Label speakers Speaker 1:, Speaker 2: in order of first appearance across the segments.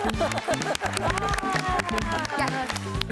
Speaker 1: Gel.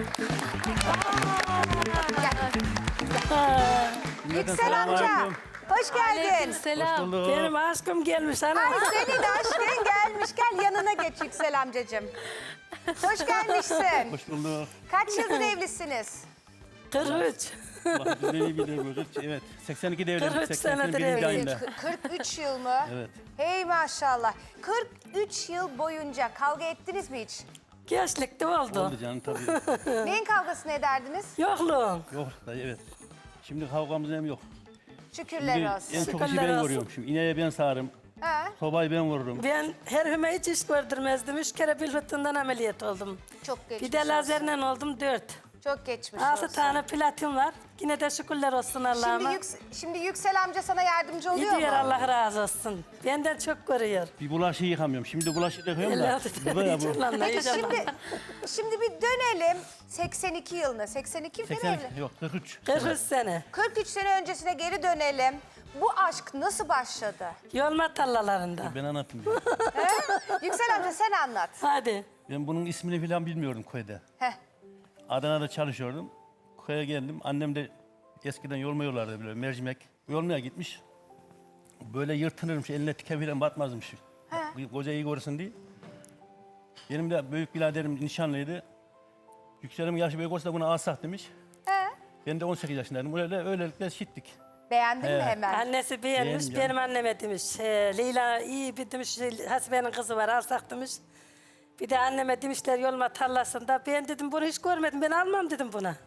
Speaker 1: Yüksel amca. Hoş geldin.
Speaker 2: Selam.
Speaker 3: Benim aşkım gelmiş ana.
Speaker 1: Ay senin aşkın gelmiş. Gel yanına geç Yüksel amcacığım. Hoş gelmişsin.
Speaker 4: Hoş bulduk.
Speaker 1: Kaç yıldır evlisiniz?
Speaker 3: 43.
Speaker 4: Bak biz iyi biliyoruz. Evet. 82 devlet.
Speaker 3: 43 senedir
Speaker 4: 81.
Speaker 3: evliyim.
Speaker 4: ayında.
Speaker 1: 43 yıl mı?
Speaker 4: Evet.
Speaker 1: Hey maşallah. 43 yıl boyunca kavga ettiniz mi hiç?
Speaker 3: Gençlikte oldu.
Speaker 4: Oldu canım tabii.
Speaker 1: Neyin kavgasını ederdiniz?
Speaker 3: Yokluğum.
Speaker 4: Yok da evet. Şimdi kavgamız hem yok.
Speaker 1: Şükürler
Speaker 4: Şimdi
Speaker 1: olsun.
Speaker 4: en çok işi
Speaker 3: Şükürler
Speaker 4: ben
Speaker 3: olsun.
Speaker 4: vuruyorum. Şimdi ineğe ben sağarım.
Speaker 1: Ha,
Speaker 4: Sobayı ben vururum.
Speaker 3: Ben her hüme hiç iş gördürmezdim. 3 kere bilfıtından ameliyat oldum.
Speaker 1: çok geçmiş
Speaker 3: Bir de
Speaker 1: olsun.
Speaker 3: lazerle oldum 4.
Speaker 1: Çok geçmiş
Speaker 3: 6
Speaker 1: olsun.
Speaker 3: tane platin var. Yine de şükürler olsun Allah'ıma.
Speaker 1: Şimdi Yüksel amca sana yardımcı oluyor
Speaker 3: Gidiyor
Speaker 1: mu?
Speaker 3: Allah razı olsun. Benden çok görüyor.
Speaker 4: Bir bulaşığı yıkamıyorum. Şimdi bulaşığı yıkıyorum da.
Speaker 3: Elde
Speaker 4: Bu da ya bu.
Speaker 3: heyecanlanma,
Speaker 1: Peki
Speaker 3: heyecanlanma.
Speaker 1: şimdi bir dönelim 82 yılına. 82 mi
Speaker 4: 80,
Speaker 1: evli?
Speaker 4: yok 43.
Speaker 3: 43 sene.
Speaker 1: 43 sene öncesine geri dönelim. Bu aşk nasıl başladı?
Speaker 3: Yolma tallalarında.
Speaker 4: Ben anlatayım. ya.
Speaker 1: Yüksel amca sen anlat.
Speaker 3: Hadi.
Speaker 4: Ben bunun ismini falan bilmiyordum köyde.
Speaker 1: Heh.
Speaker 4: Adana'da çalışıyordum. Köye geldim. Annem de eskiden yolma yollardı böyle mercimek. Yolmaya gitmiş. Böyle yırtınırmış. Eline tike falan batmazmış. Koca iyi korusun diye. Benim de büyük biraderim nişanlıydı. Yükselim yaşı büyük olsa da buna alsak demiş.
Speaker 1: He.
Speaker 4: Ben de 18 yaşındaydım. Öylelikle şittik.
Speaker 1: Beğendin mi
Speaker 4: He.
Speaker 1: hemen?
Speaker 3: Annesi beğenmiş,
Speaker 4: Beğendim
Speaker 3: benim anneme demiş. Leyla iyi bir demiş, Hasibe'nin kızı var alsak demiş. Bir de anneme demişler yolma tarlasında. Ben dedim bunu hiç görmedim, ben almam dedim buna.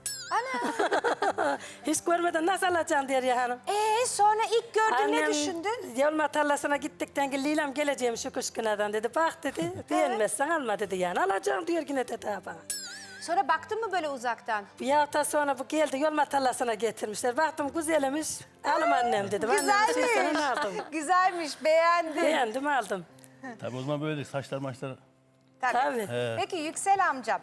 Speaker 1: Ana.
Speaker 3: Hiç görmeden nasıl alacaksın diyor ya hanım.
Speaker 1: Sonra ilk gördün ne düşündün?
Speaker 3: Yolma tarlasına gittikten ki Leyla'm geleceğim şu kış günadan dedi. Bak dedi, beğenmezsen alma dedi yani. Alacağım diyor yine dedi ha bana.
Speaker 1: Sonra baktın mı böyle uzaktan?
Speaker 3: Bir hafta sonra bu geldi yolma tarlasına getirmişler. Baktım güzelmiş, alım annem dedim. Annem
Speaker 1: Güzelmiş.
Speaker 3: sen aldım.
Speaker 1: Güzelmiş, beğendim.
Speaker 3: Beğendim aldım.
Speaker 4: Tabii o zaman böyle saçlar maçlar.
Speaker 3: Tabii.
Speaker 1: Peki Yüksel amcam,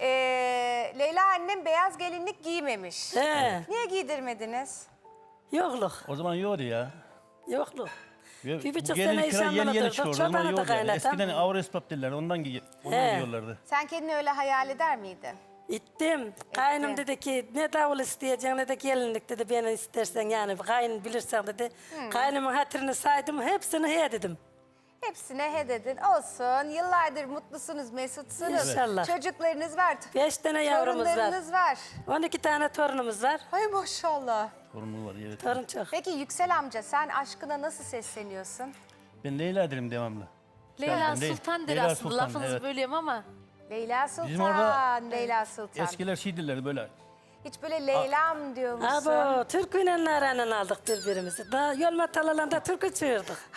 Speaker 1: Leyla annem beyaz gelinlik giymemiş.
Speaker 3: He,
Speaker 1: Niye giydirmediniz?
Speaker 3: yokluk,
Speaker 4: O zaman yiyordu ya.
Speaker 3: yokluk.
Speaker 4: Bir
Speaker 3: Bir buçuk
Speaker 4: bu
Speaker 3: sene
Speaker 4: gelinlik falan yeni
Speaker 3: inşallah
Speaker 4: yeni
Speaker 3: durduk.
Speaker 4: çıkıyor. O zaman
Speaker 3: Çobanı da
Speaker 4: yiyordu yani.
Speaker 3: kaynatam.
Speaker 4: Eskiden Avrespap derler. Ondan giyiyorlardı.
Speaker 1: Sen kendini öyle hayal eder miydin?
Speaker 3: İttim. Kaynım dedi ki ne davul isteyeceksin ne de gelinlik dedi beni istersen yani kaynın bilirsen dedi. Kaynımın hatırını saydım hepsini he dedim.
Speaker 1: Hepsine he dedin. Olsun. Yıllardır mutlusunuz, mesutsunuz.
Speaker 3: İnşallah.
Speaker 1: Çocuklarınız var.
Speaker 3: 5 tane yavrumuz var.
Speaker 1: Torunlarınız var.
Speaker 3: 12 tane torunumuz var.
Speaker 1: Ay maşallah.
Speaker 4: Sorumlu var evet.
Speaker 3: Torun çok.
Speaker 1: Peki Yüksel amca sen aşkına nasıl sesleniyorsun?
Speaker 4: Ben Leyla derim devamlı.
Speaker 2: Leyla
Speaker 4: Ben
Speaker 2: Sultan der
Speaker 4: Leyla
Speaker 2: aslında.
Speaker 4: Sultan,
Speaker 2: Lafınızı
Speaker 4: evet.
Speaker 2: bölüyorum ama.
Speaker 1: Leyla Sultan,
Speaker 4: Bizim orada
Speaker 1: Leyla Sultan.
Speaker 4: Eskiler şey dillerdi böyle.
Speaker 1: Hiç böyle Leyla'm diyor musun?
Speaker 3: Abo, türküyle nareyle aldık birbirimizi. Daha yolma talalarında türkü çığırdık.